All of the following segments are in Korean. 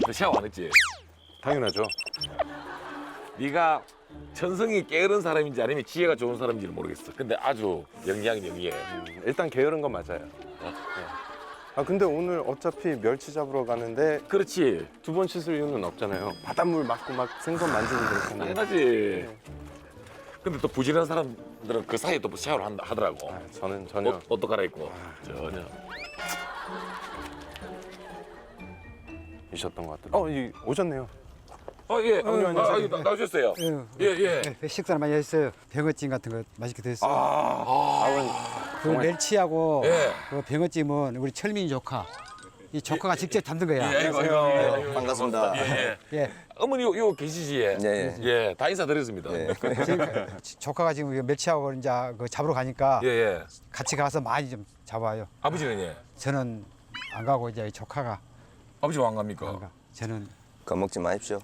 샤워 안 했지? 당연하죠. 네가 천성이 게으른 사람인지 아니면 지혜가 좋은 사람인지는 모르겠어. 근데 아주 영리해. 일단 게으른 건 맞아요. 네. 아 근데 오늘 어차피 멸치 잡으러 가는데 그렇지. 두 번 씻을 이유는 없잖아요. 바닷물 맞고 막 생선 만지고 그렇잖아요. 당연하지. 근데 또 부지런한 사람들은 그 사이에 또 샤워를 하더라고. 아, 저는 전혀. 옷도 갈아입고. 전혀. 이셨던 것 같더라고요. 오셨네요. 예. 안녕하세요. 나오셨어요. 예. 식사를 많이 했어요. 병어찜 같은 거 맛있게 됐어요. 아버님. 그 멸치하고 예. 그 병어찜은 우리 철민이 조카. 이 조카가 직접 담는 거야. 아이고. 반갑습니다. 예. 어머니 요 계시지? 예. 다 인사드렸습니다. 지금 조카가 지금 이거 멸치하고 이제 그 잡으러 가니까 예. 같이 가서 많이 좀 잡아요. 아버지는 예. 저는 안 가고 이제 조카가 아버지 안 갑니까? 안 가. 저는 겁먹지 마십시오.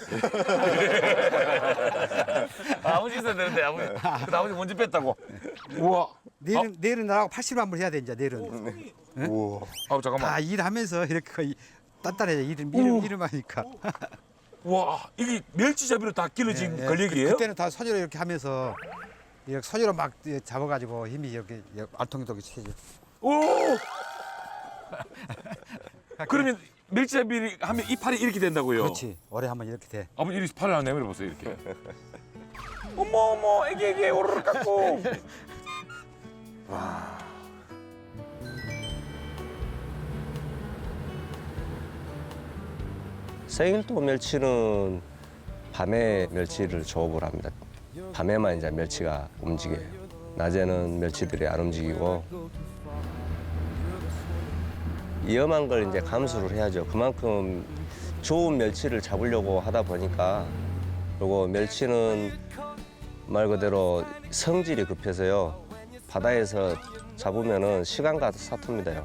아버지 있어야 되는데 아버지 먼저 뺐다고. 우와. 내일은 나하고 80만 불 해야 돼 이제 내일은. 우와. 잠깐만. 다 일하면서 이렇게 거의 단단해져 일을 하니까. 와 이게 멸치잡이로 다 길러진 예, 걸리기예요? 그때는 다 손으로 이렇게 하면서 이렇게 손으로 막 잡아가지고 힘이 이렇게 알통이동이 치죠. 오. 그러면 멸치잡이 하면 이 팔이 이렇게 된다고요? 그렇지. 오래 하면 이렇게 돼. 아버지 이렇게 팔을 한번 내밀어 보세요 이렇게. 어머 애기 오르르 깎고. 생일도 멸치는 밤에 멸치를 조업을 합니다. 밤에만 이제 멸치가 움직여요. 낮에는 멸치들이 안 움직이고 위험한 걸 이제 감수를 해야죠. 그만큼 좋은 멸치를 잡으려고 하다 보니까 그리고 멸치는 말 그대로 성질이 급해서요. 바다에서 잡으면은 시간 가서 사투입니다요.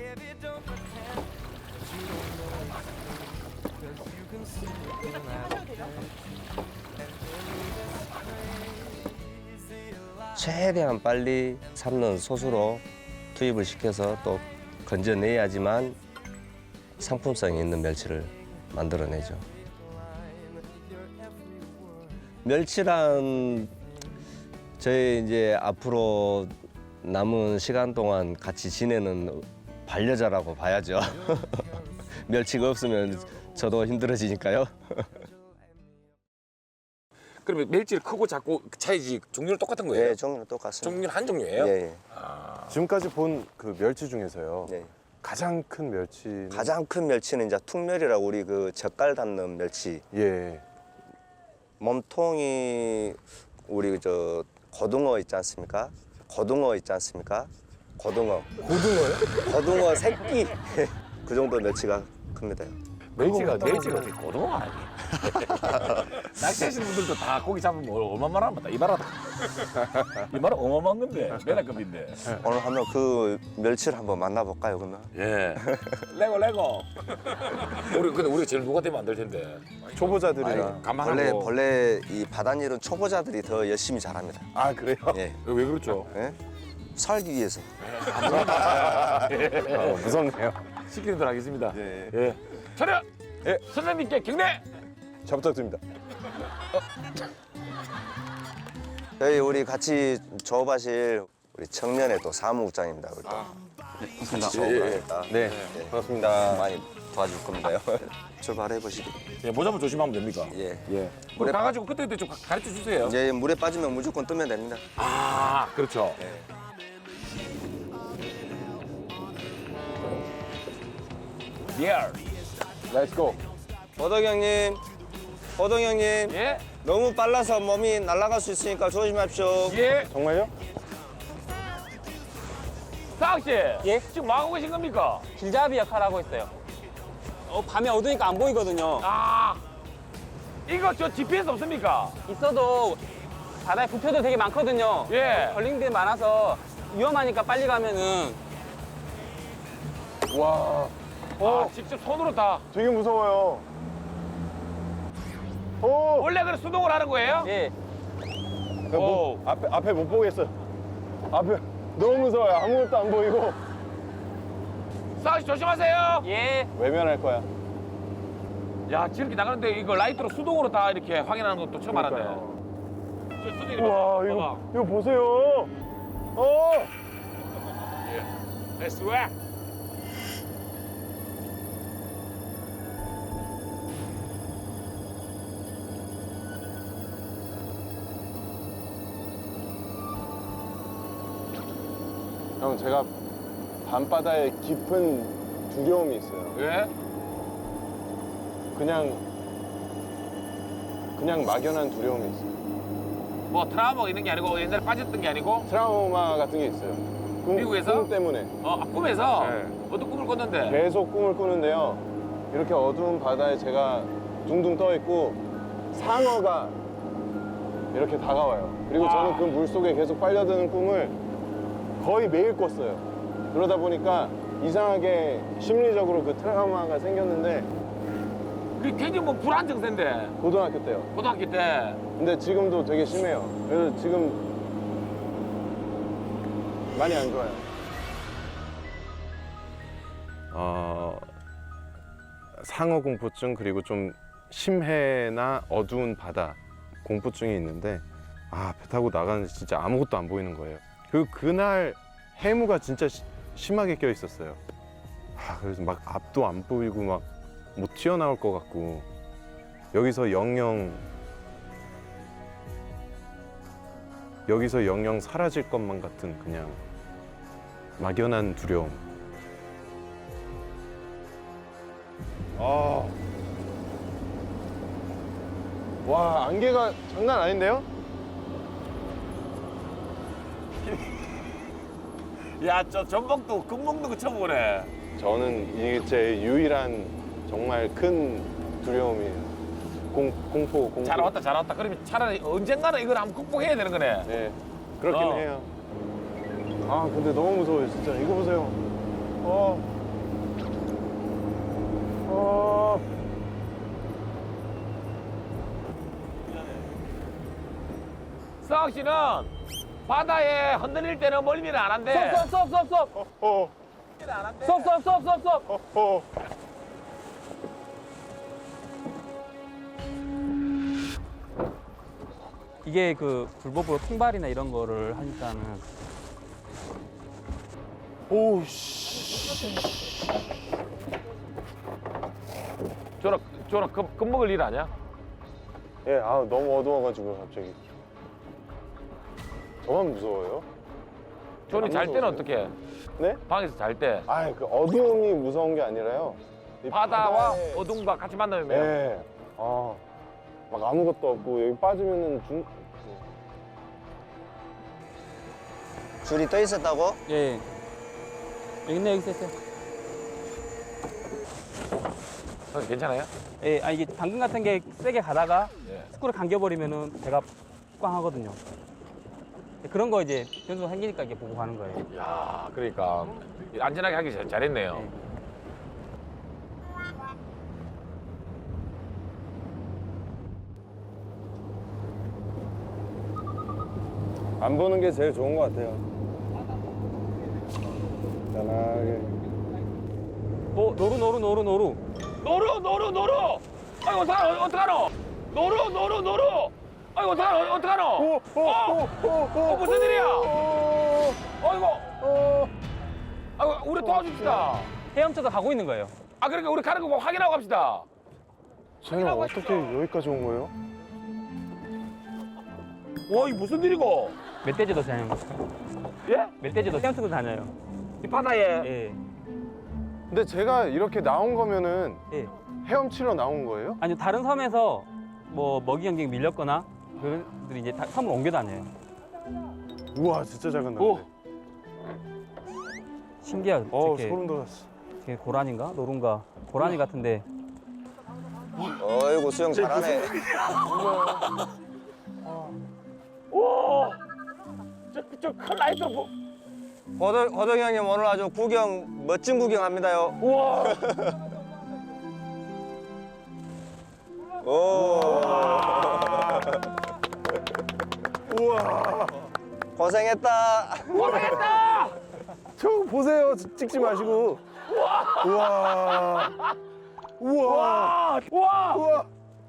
최대한 빨리 삶는 솥으로 투입을 시켜서 또 건져내야지만 상품성이 있는 멸치를 만들어내죠. 멸치란 저희 이제 앞으로 남은 시간 동안 같이 지내는 반려자라고 봐야죠. 멸치가 없으면 저도 힘들어지니까요. 그러면 멸치를 크고 작고 차이지 종류는 똑같은 거예요? 네, 종류는 똑같습니다. 종류는 한 종류예요? 예. 지금까지 본 그 멸치 중에서요. 네. 가장 큰 멸치는 가장 큰 멸치는 이제 툭멸이라고 우리 그 젓갈 담는 멸치. 예. 몸통이 우리 저 고등어 있지 않습니까? 고등어 있지 않습니까? 고등어요? 고등어 새끼. 그 정도 멸치가 큽니다. 멸치가 되게 고등어 아니에요? 낚시하시는 분들도 다 고기 잡으면 얼마만 하면 이 말은 어마어마한 건데 메다급인데. 오늘 한번 그 멸치를 한번 만나볼까요, 그러면? 예. 레고. 근데 우리가 제일 누가 되면 안 될 텐데. 초보자들이라. 감안하고. 원래 이 바닷일은 초보자들이 더 열심히 잘합니다. 아 그래요? 예. 왜 그렇죠? 예? 살기 위해서. 무섭네요. 시키는 대로 하겠습니다. 예. 차렷! 예. 선생님께 경례! 잘 부탁드립니다. 저희 우리 같이 조업하실 우리 청년의 또 사무국장입니다. 우리 또. 반갑습니다. 네. 반갑습니다. 많이 도와줄 겁니다요. 출발해 보시기. 예, 모자만 조심하면 됩니까? 예. 예. 우리 가가지고 그때 좀 가르쳐 주세요. 이제 물에 빠지면 무조건 뜨면 됩니다. 아, 그렇죠. 리얼. 렛츠 고. 호동 형님, 예? 너무 빨라서 몸이 날아갈 수 있으니까 조심하십시오. 예? 정말요? 사학 씨. 예? 지금 뭐 하고 계신 겁니까? 길잡이 역할을 하고 있어요. 밤에 어두우니까 안 보이거든요. 아, 이거 저 GPS 없습니까? 있어도 바다에 부표들 되게 많거든요. 예. 걸림들이 많아서 위험하니까 빨리 가면은 와. 아, 직접 손으로 다. 되게 무서워요. 오. 원래 그래 수동을 하는 거예요? 예. 오. 앞에 못 보겠어요. 앞에 너무 무서워요. 아무것도 안 보이고. 사학 씨 조심하세요. 예. 외면할 거야. 야, 저렇게 나가는데 이거 라이트로 수동으로 다 이렇게 확인하는 것도 처음 알았네. 저 선생님 우와, 봐봐. 이거 보세요. Let's work. 형, 제가 밤바다에 깊은 두려움이 있어요. 왜? 그냥 막연한 두려움이 있어요. 뭐 트라우마가 있는 게 아니고 옛날에 빠졌던 게 아니고 트라우마 같은 게 있어요. 미국에서? 꿈 때문에. 꿈에서 네. 어떤 꿈을 꿨는데? 계속 꿈을 꾸는데요. 이렇게 어두운 바다에 제가 둥둥 떠 있고 상어가 이렇게 다가와요. 그리고 저는 그 물속에 계속 빨려드는 꿈을 거의 매일 꿨어요. 그러다 보니까 이상하게 심리적으로 그 트라우마가 생겼는데 그게 굉장히 뭐 불안 증세인데 고등학교 때요. 고등학교 때. 근데 지금도 되게 심해요. 그래서 지금 많이 안 좋아요. 상어 공포증 그리고 좀 심해나 어두운 바다 공포증이 있는데 배 타고 나가는데 진짜 아무것도 안 보이는 거예요. 그리고 그날 해무가 진짜 심하게 껴 있었어요. 그래서 막 앞도 안 보이고 막 못 튀어나올 것 같고 여기서 영영 사라질 것만 같은 그냥 막연한 두려움. 와, 안개가 장난 아닌데요? 야, 저 전복도 금목도 그 처음 보네. 저는 이게 제 유일한 정말 큰 두려움이에요. 공포. 잘 왔다. 그러면 차라리 언젠가는 이걸 한번 극복해야 되는 거네. 네, 그렇긴 해요. 근데 너무 무서워요, 진짜. 이거 보세요. 서학 씨는 바다에 흔들릴 때는 멀미를 안 한대. 스톱. 스톱. 이게 그 불법으로 통발이나 이런 거를 하니까는 저는 겁먹을 일 아니야? 예, 너무 어두워가지고 갑자기. 저만 무서워요? 저는 잘 때는 어떻게? 네? 방에서 잘 때. 그 어두움이 무서운 게 아니라요. 이 바다와 바다에- 어둠과 같이 만나면 네. 막 아무것도 없고 여기 빠지면은 줄이 떠 있었다고? 예. 여기 있네, 여기 있어요. 선생님 괜찮아요? 예, 이게 당근 같은 게 세게 가다가 예. 스크를 감겨버리면은 배가 꽝 하거든요. 그런 거 이제 변수가 생기니까 이게 보고 가는 거예요. 야, 그러니까 안전하게 하기 잘했네요. 네. 안 보는 게 제일 좋은 것 같아요. 편하게. 노루. 노루. 아이고, 어떡하노? 노루. 아이고, 어떡하노? 무슨 일이야? 아이고, 우리 도와줍시다. 헤엄쳐서 가고 있는 거예요. 그러니까 우리 가는 거 확인하고 갑시다. 쟤는 어떻게 여기까지 온 거예요? 와, 이게 무슨 일이고? 멧돼지도 다녀요. 예? 멧돼지도 헤엄치고 다녀요. 이 바다에. 예. 근데 제가 이렇게 나온 거면은 예. 헤엄치러 나온 거예요? 아니요, 다른 섬에서 뭐 먹이 경쟁 밀렸거나 그들이 이제 섬으로 옮겨 다녀요. 우와, 진짜 작은 오. 나무네. 신기하죠. 이렇게 소름 돋았어. 되게 고라니인가? 노른가? 고라니 같은데. 어이구 수영 잘하네. 오! 저 큰 라이트로 호덕이 형님 오늘 아주 멋진 구경합니다요. 우와! 오. 우와. 고생했다. 저 보세요. 찍지 마시고. 우와. 우와! 우와! 우와.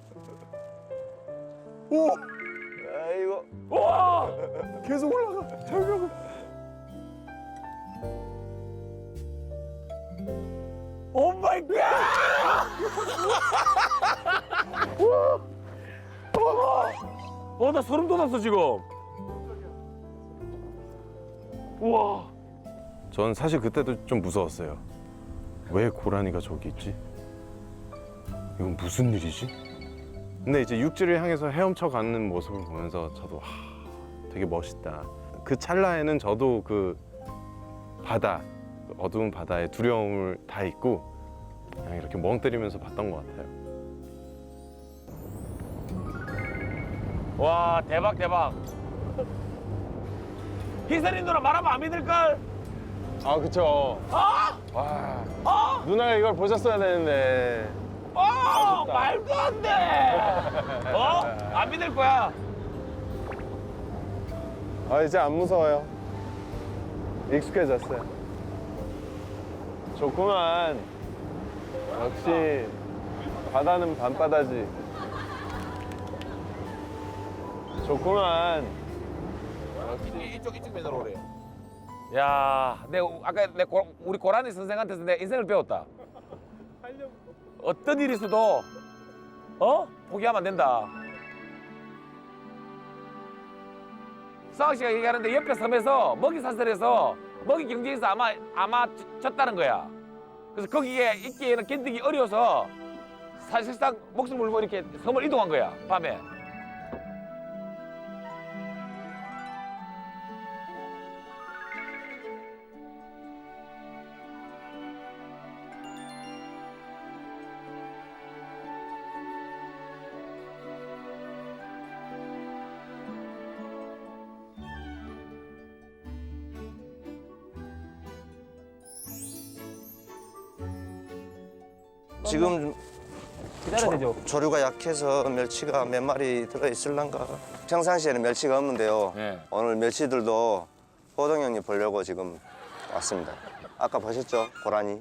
오. 아이고. 우와! 계속 올라가. 절벽을. 오 마이 갓! 우와! 나 소름 돋았어 지금. 우와! 전 사실 그때도 좀 무서웠어요. 왜 고라니가 저기 있지? 이건 무슨 일이지? 근데 이제 육지를 향해서 헤엄쳐 가는 모습을 보면서 저도 되게 멋있다. 그 찰나에는 저도 그 바다, 그 어두운 바다의 두려움을 다 잊고 그냥 이렇게 멍 때리면서 봤던 것 같아요. 와 대박 대박. 희선이 누나 말하면 안 믿을걸? 아 그쵸. 아! 와 아! 누나가 이걸 보셨어야 되는데. 말도 안 돼! 안 믿을 거야. 아 이제 안 무서워요. 익숙해졌어요. 좋구만. 역시 바다는 밤바다지. 좋구만. 이쪽 면으로 오래. 야, 아까 우리 고라니 선생한테서 내 인생을 배웠다. 어떤 일이 있어도 포기하면 안 된다. 싸우 씨가 얘기하는데 옆에 섬에서 먹이 사슬해서 먹이 경쟁에서 아마 졌다는 거야. 그래서 거기에 있기에는 견디기 어려워서 사실상 목숨 걸고 이렇게 섬을 이동한 거야 밤에. 지금 기다려야 되죠. 조류가 약해서 멸치가 몇 마리 들어 있을란가. 평상시에는 멸치가 없는데요. 네. 오늘 멸치들도 호동 형님 보려고 지금 왔습니다. 아까 보셨죠? 고라니.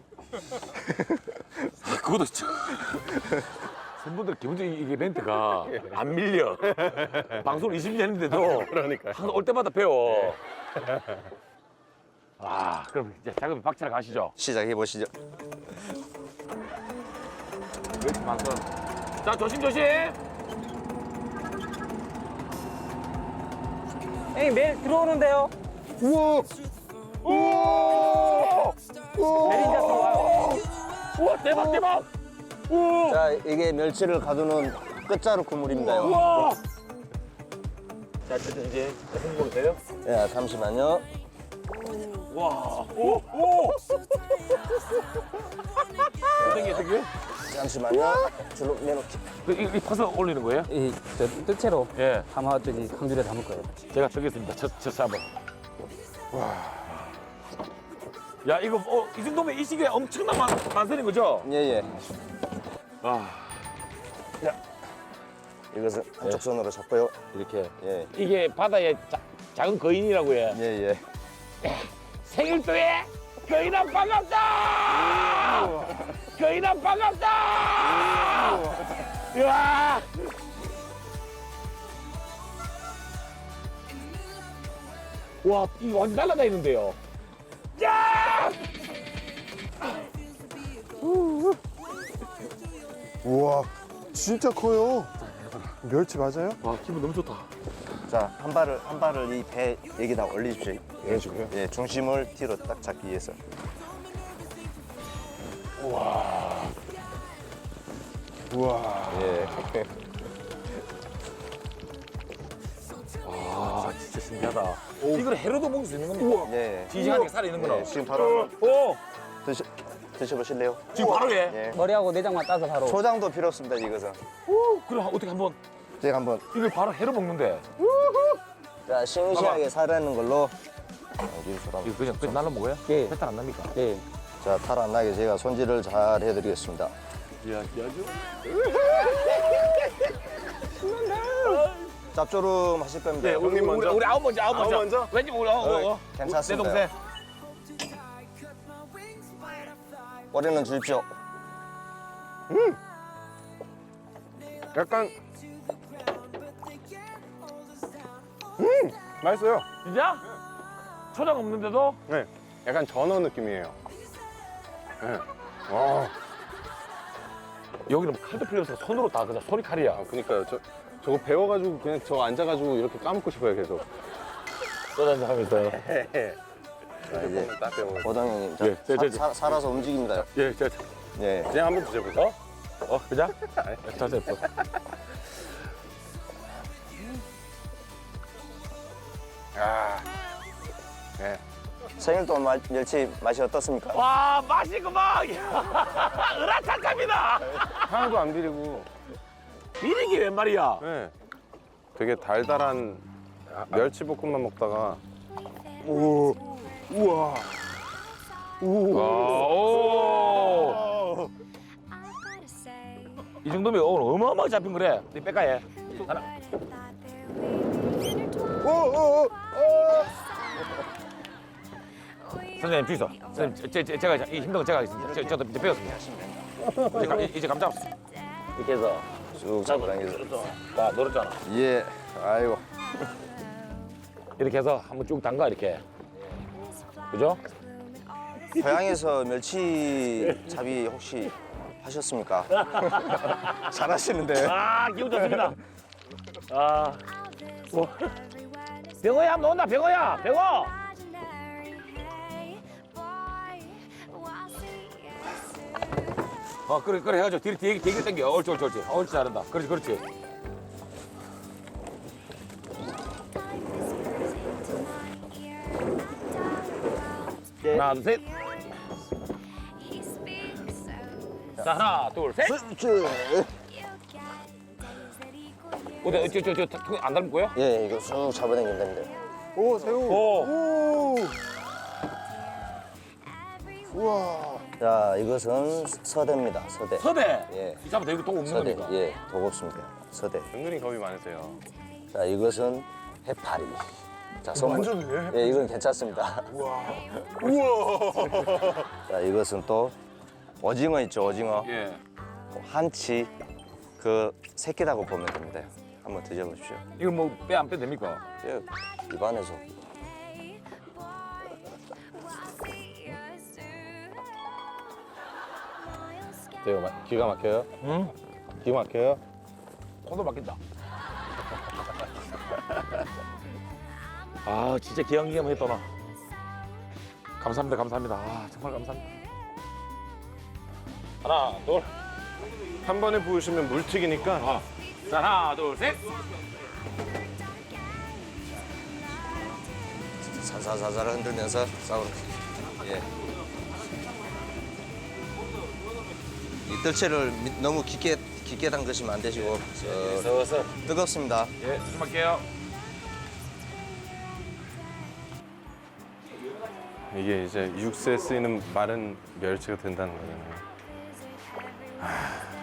그것도 진짜. 선분들 기본적으로 이게 멘트가 안 밀려. 방송을 20년 했는데도 그러니까요. 항상 올 때마다 배워. 그럼 이제 작업에 박차를 가시죠. 시작해 보시죠. 멸치 방송. 자, 조심조심. 형님 매일 들어오는데요. 우와. 내린자 들어와요. 우와, 대박, 대박. 우와. 자, 이게 멸치를 가두는 끝자루 그물입니다요. 우와. 자, 이제 홍보도 돼요? 야, 잠시만요. 와. 오, 오. 어떻게? 잠시만요. 줄로 내놓기. 이 파서 올리는 거예요? 저 뜰채로 예. 담아 저기 강줄에 담을 거예요. 제가 적겠습니다. 저 sab을. 와. 야, 이거 이 정도면 이 시기에 엄청난 만선인 거죠? 예, 예. 아, 이것은 한쪽 손으로 잡고요. 이렇게. 예, 이게 바다의 작은 거인이라고 해. 예, 예. 생일도에 거인아 반갑다! 거인아 반갑다! 이야! 와, 이거 완전 날아다니는데요. 야! 우와. 진짜 커요. 멸치 맞아요? 와, 기분 너무 좋다. 자, 한 발을 이 배 여기다 올리십시오. 올려주고요? 예, 중심을 뒤로 딱 잡기 위해서. 우와. 예. 아, 진짜 신기하다. 이걸 해로도 먹을 수 있는 겁니까? 예. 지지하게 살아있는 거나. 예, 지금 바로 오! 드셔보실래요? 지금 바로 해? 예. 머리하고 내장만 따서 바로. 초장도 필요 없습니다, 이것은. 그럼 어떻게 한번 제가 한번 이걸 바로 해로 먹는데. 자, 싱싱하게 살아있는 걸로 여기서 이거 그냥 날로 먹어요? 예. 배탈 안 납니까? 예. 자, 탈 안 나게 제가 손질을 잘 해드리겠습니다. 야, 아주. 짭조름 하실 겁니다. 네, 형님 먼저. 우리 아홉 먼저. 아홉 먼저? 왠지 우리 내 괜찮습니다. 동생. 꼬리는 주십시오. 약간 맛있어요. 진짜? 초장 없는데도? 네, 약간 전어 느낌이에요. 네. 와, 여기는 칼도 필요 없어. 손으로 다 그냥 소리 칼이야. 아, 그니까요. 저거 배워가지고 그냥 저거 앉아가지고 이렇게 까먹고 싶어요, 계속. 소주 한잔 하면서. 자, 이제 딱 배워. 고동 형님, 예, 살아서 움직입니다. 예, 예. 그냥 한번 드셔보세요. 그냥? 자세 예뻐. 아, 네. 생일동 멸치 맛이 어떻습니까? 와, 맛있구만. 으라차갑니다. 하나도 안 비리고. 이런 게 웬 말이야? 네. 되게 달달한 멸치볶음만 먹다가 와, 오. 이 정도면 오늘 어마어마하게 잡힌 거래. 네 빼까해. 하나. 선생님 주이소. 선생님 제가 이 힘든 거 제가 하겠습니다. 저도 이제 배웠습니다. 이제 감 잡았어. 이렇게 해서 쭉 잡아당겨서. 나 노렸잖아. 예. 아이고. 이렇게 해서 한번 쭉 담가 이렇게. 그죠? 고향에서 멸치 잡이 혹시 하셨습니까? 잘하시는데. 아 기분 좋습니다. 아, 뭐. 병어야 한번 온다 병어야 병어. 그래 해가지고 뒤로 당겨. 옳지 옳지 잘한다. 그렇지. 하나 둘 셋. 자 하나 둘 셋. 어디 저안 닮은 거야? 예, 이거 쭉 잡아당기면 됩니다. 오, 새우. 오. 자, 이것은 서대입니다. 서대. 서대. 예. 이 잡아 이거 돈 없는 서대. 겁니까? 예, 독 없습니다. 서대. 은근히 겁이 많으세요. 자, 이것은 해파리. 자, 선물. 예, 이건 괜찮습니다. 우와. 자, 이것은 또 오징어 있죠, 오징어. 예. 한치 그 새끼라고 보면 됩니다. 한번 드셔보십시오. 이거 뭐 빼 안 빼도 됩니까? 예, 입안에서. 기가 막혀요? 응? 기가 막혀요? 코도 막힌다. 아 진짜 기양기양했다 나. 감사합니다. 아 정말 감사합니다. 하나 둘. 한 번에 부으시면 물튀기니까 자 하나 둘 셋. 살살살살 흔들면서 싸우는. 예. 이 뜰채를 너무 깊게 담그시면 안 되시고 서서. 뜨겁습니다. 예 조심할게요. 이게 이제 육수에 쓰이는 마른 멸치가 된다는 거잖아요.